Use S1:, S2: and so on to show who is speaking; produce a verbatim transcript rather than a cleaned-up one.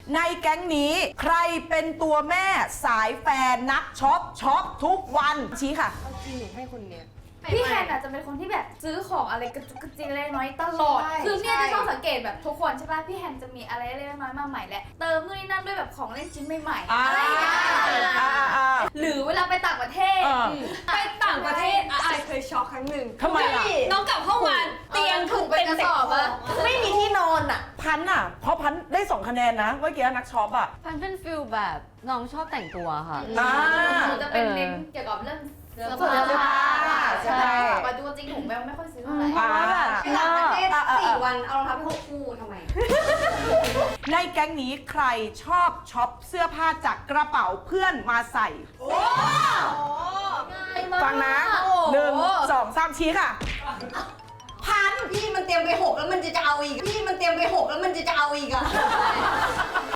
S1: ในแก๊งนี้ใครเป็นตัวแม่สายแฟนนักช็อปช็อปทุกวันชี้ค่ะ
S2: จริงหนูให้คนเนี้ย
S3: พี่แฮนอาจจะเป็นคนที่แบบซื้อของอะไรกระจุกกระจิกเล็กน้อยตลอด
S2: ใช่
S3: คือเนี่ย
S2: ใช่
S3: จะชอบสังเกตแบบทุกคนใช่ป่ะ พี่แฮนจะมีอะไรเล็กน้อยมาใหม่แหละ เติมนู่นนี่นั่นด้วยแบบของเล่นชิ้นใหม่ๆ
S1: อ่า
S3: อะไรอย่างเงี้ย
S1: อ่าอ่า
S3: หรือเวลาไปต่างประเทศ
S1: เออ
S4: ไปต่างประเทศอะไอเคยช็อกครั้งหนึ่ง
S1: ทำไมล่ะ
S4: น้องกลับเข้ามาเตียงถูกเป็นกระสอบอะ
S2: ไม่มีที่นอนอ่ะ
S1: พันอ่ะ เพราะพันได้สองคะแนนนะเมื่อกี้นักช็อปอ่ะ
S5: พันเป็นฟิลแบบน้องชอบแต่งตัวค่ะ
S1: อ่า
S3: หนูจะเป็นเน้นเกี่ยวกับเรื่องเสื้อ
S1: เสื้อผ้าใช่
S3: ปัจจุบันจริงผมไม่ค่อยซื้อเท่าไหร่
S1: อ่า
S2: ไปต่างประเทศ
S1: อ่าอ่า
S2: สี่วันเอารองเท้าไปหกคู่ทำไม
S1: ในแก๊งนี้ใครชอบช็อปเสื้อผ้าจากกระเป๋าเพื่อนมาใส่ ฟังนะหนึ่งสองสามชี้ค่ะ
S2: พันพี่มันเตรียมไปหกแล้วมันจะจะเอาอีก พี่มันเตรียมไปหกแล้วมันจะจะเอาอีกอ่ะ